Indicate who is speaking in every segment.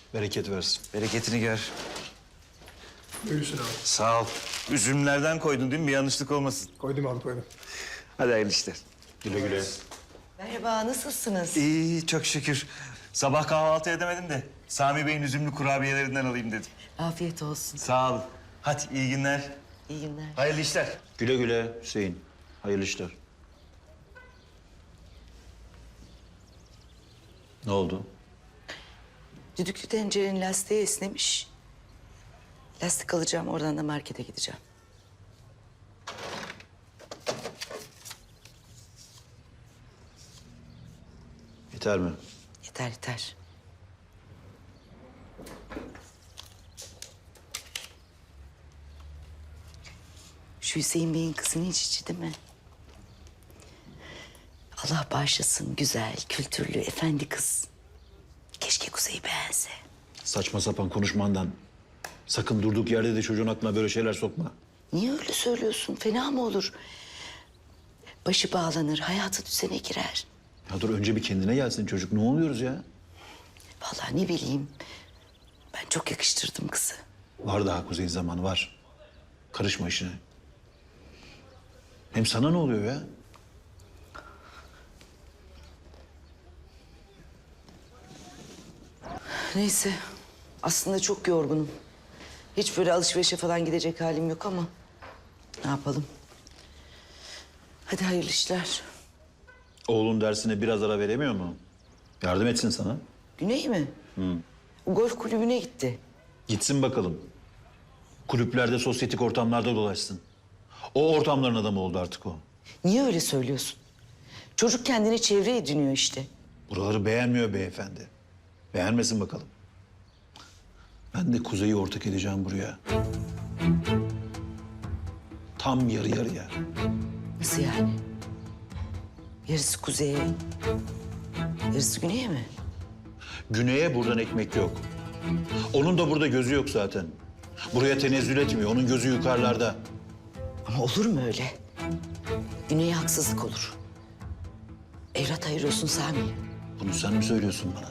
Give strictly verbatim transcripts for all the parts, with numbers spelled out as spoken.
Speaker 1: Bereket versin.
Speaker 2: Bereketini gör.
Speaker 3: Buyursun abi.
Speaker 2: Sağ ol. Üzümlerden koydun değil mi? Bir yanlışlık olmasın.
Speaker 3: Koydum abi koydum.
Speaker 2: Hadi hayırlı işler.
Speaker 1: Güle güle.
Speaker 4: Merhaba, nasılsınız?
Speaker 2: İyi, çok şükür. Sabah kahvaltı edemedim de Sami Bey'in üzümlü kurabiyelerinden alayım dedim.
Speaker 4: Afiyet olsun.
Speaker 2: Sağ ol. Hadi iyi günler.
Speaker 4: İyi günler.
Speaker 2: Hayırlı işler.
Speaker 1: Güle güle Hüseyin. Hayırlı işler. Ne oldu?
Speaker 4: Düdüklü tencerenin lastiği esnemiş. Lastik alacağım, oradan da markete gideceğim.
Speaker 1: Yeter mi?
Speaker 4: Yeter, yeter. Şu Hüseyin Bey'in kızının hiç içi değil mi? Allah bağışlasın, güzel, kültürlü, efendi kız. Keşke Kuzey'i beğense.
Speaker 1: Saçma sapan konuşmandan. Sakın durduk yerde de çocuğun aklına böyle şeyler sokma.
Speaker 4: Niye öyle söylüyorsun? Fena mı olur? Başı bağlanır, hayatı düzene girer.
Speaker 1: Ya dur önce bir kendine gelsin çocuk. Ne oluyoruz ya?
Speaker 4: Vallahi ne bileyim. Ben çok yakıştırdım kızı.
Speaker 1: Var daha Kuzey zamanı var. Karışma işine. Hem sana ne oluyor ya?
Speaker 4: Neyse. Aslında çok yorgunum. Hiç böyle alışverişe falan gidecek halim yok ama... ne yapalım? Hadi hayırlı işler.
Speaker 1: Oğlun dersine biraz ara veremiyor mu? Yardım etsin sana.
Speaker 4: Güney mi? Hı. Golf kulübüne gitti.
Speaker 1: Gitsin bakalım. Kulüplerde, sosyetik ortamlarda dolaşsın. O ortamların adamı oldu artık o.
Speaker 4: Niye öyle söylüyorsun? Çocuk kendini çevre ediniyor işte.
Speaker 1: Buraları beğenmiyor beyefendi. Beğenmesin bakalım. Ben de Kuzey'i ortak edeceğim buraya. Tam yarı yarıya.
Speaker 4: Nasıl yani? Yarısı kuzeye, yarısı güneye mi?
Speaker 1: Güney'e buradan ekmek yok. Onun da burada gözü yok zaten. Buraya tenezzül etmiyor. Onun gözü yukarılarda.
Speaker 4: Ama olur mu öyle? Güney'e haksızlık olur. Evlat ayırıyorsun Sami.
Speaker 1: Bunu sen mi söylüyorsun bana?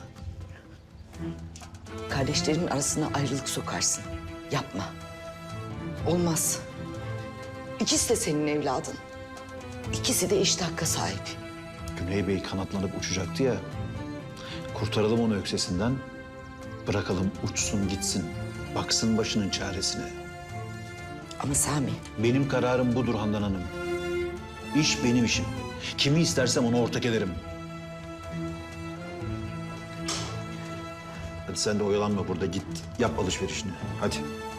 Speaker 4: Kardeşlerin arasına ayrılık sokarsın. Yapma. Olmaz. İkisi de senin evladın. İkisi de eşit hakka sahip.
Speaker 1: Güney Bey kanatlanıp uçacaktı ya. Kurtaralım onu öksesinden. Bırakalım uçsun gitsin. Baksın başının çaresine.
Speaker 4: Ama Sami,
Speaker 1: Benim kararım budur Handan Hanım. İş benim işim. Kimi istersem ona ortak ederim. Hadi sen de oyalanma burada. Git yap alışverişini. Hadi.